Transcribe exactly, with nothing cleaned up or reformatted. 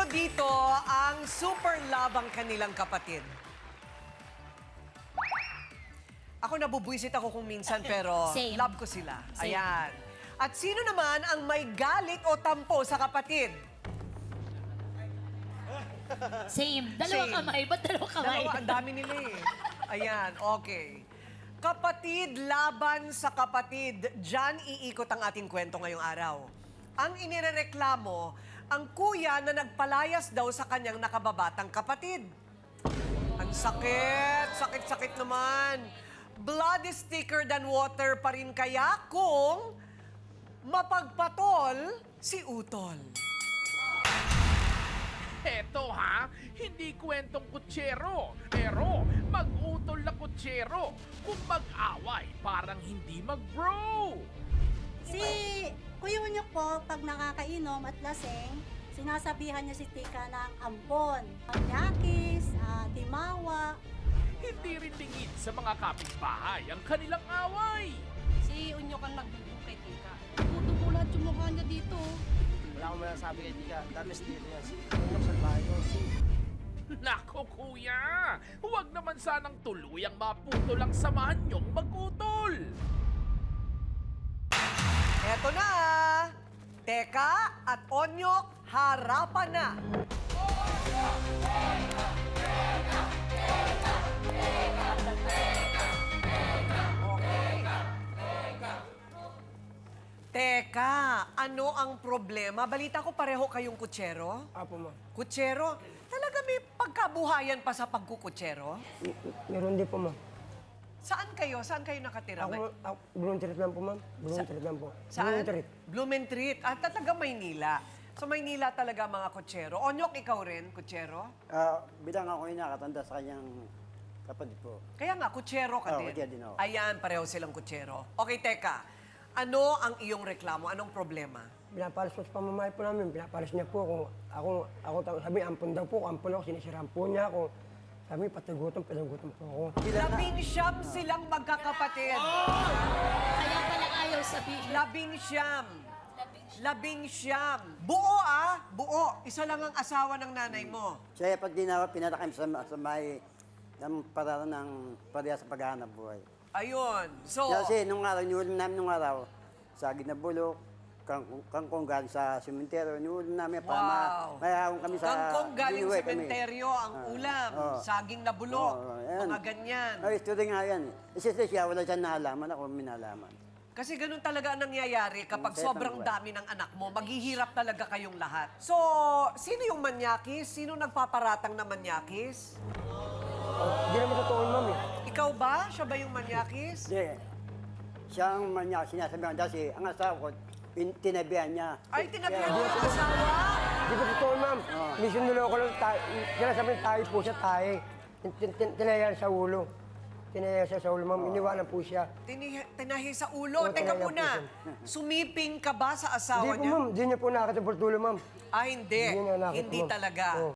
dito ang super love ang kanilang kapatid. Ako nabubwisit ako kung minsan pero Same. love ko sila. Same. Ayan. At sino naman ang may galit o tampo sa kapatid? Same. Dalawang Same. kamay. Ba't dalawang kamay? Dalawa, ang dami nila eh. Ayan, okay. Kapatid laban sa kapatid. Diyan iikot ang ating kwento ngayong araw. Ang inirereklamo, ang kuya na nagpalayas daw sa kanyang nakababatang kapatid. Ang sakit, sakit-sakit naman. Blood is thicker than water pa rin kaya kung mapagpatol si Utol. Eto ha, hindi kwentong kutsero, pero mag-utol na kutsero. Kung mag-away, parang hindi mag-bro. Si Kuya Unyok po, pag nakakainom at laseng, sinasabihan niya si Tika ng ampon, nyakis, uh, timawa. Hindi rin lingid sa mga kapitbahay ang kanilang away. Si Unyok ang nagbubong kay Tika. Tutubulat yung mukha niya dito. Wala akong masasabi kay Tika. Dami dito yan. Unok sa bahay ko. Nako kuya, huwag naman sanang tuluyang maputo lang samahan niyong mag-utol. Eto na! Teka at Onyok, harapan na! Teka, ano ang problema? Balita ko pareho kayong kutsero? Apo, ma'am. Kutsero? Talaga may pagkabuhayan pa sa pagkukutsero? M- Meron din po, ma'am. Saan kayo? Saan kayo nakatira? Ako, ma'am, ako, Blumentritt lang po, ma'am. Blumentritt lang po. Saan? Blumentritt. Blumentritt. Ah, talaga Maynila. So Maynila talaga mga kutsero. Onyok, ikaw rin, kutsero? Ah, bilang ako ay nakatanda sa kanyang kapatid po. Kaya nga, kutsero ka Oo, din. kutsero din ako. Ayan, pareho silang kutsero. Okay, teka. Ano ang iyong reklamo? Anong problema? Pinapalas po sa pamamahay po namin. Pinapalas niya po ako. Ako, ako tawag- sabi, ampun daw po. Ampun ako, sinisiraan po niya ako. Sabi, patagutom, patagutom po ako. Labing siyam silang magkakapatid. Kaya pala ayaw sabihin. Labing siyam. Labing siyam. Buo ah, buo. Isa lang ang asawa ng nanay mo. Siya pag dinawa, pinatakay sa, sa may ng parara ng pareha sa paghahanap buhay. Ayun. So, Kasi nung araw, niulam namin nung araw, saging na bulok, kangkong, kangkong galing sa sementeryo, niulam namin para ma, wow. mayroon kami sa... Kangkong galing binuhay kami. sementeryo, ang Ah, ulam, oo. saging na bulok, Oo, ayan. mga ganyan. Ay, ito rin nga yan. eh. Kasi siya, wala siyang nalaman, ako minalaman. Kasi ganun talaga ang nangyayari kapag Mm, sobrang settle dami ng anak mo, maghihirap talaga kayong lahat. So, sino yung manyakis? Sino nagpaparatang na manyakis? Hindi naman totoo, ma'am eh. Ikaw ba? Siya ba yung manyakis? Hindi. Siya ang manya, sinasabihan kasi ang asawa ko, pin- tinabihan niya. Ay, tinabihan Kaya- mo yung asawa? Hindi ko totoo, ma'am. Mission niloko lang tayo. Sinasabi tayo po siya tayo. Tin- tin- tin- Tinayan sa ulo. Tinayan siya sa ulo, ma'am. Iniwanan po siya. Tini tinahi sa ulo. Oo, Teka tinahi muna, sumiping ka ba sa asawa Hindi po, niya? ma'am. Hindi niya po nakakatapos tulo, ma'am. Ah, hindi. Hindi niya nakita, Hindi ma'am. talaga. Oo.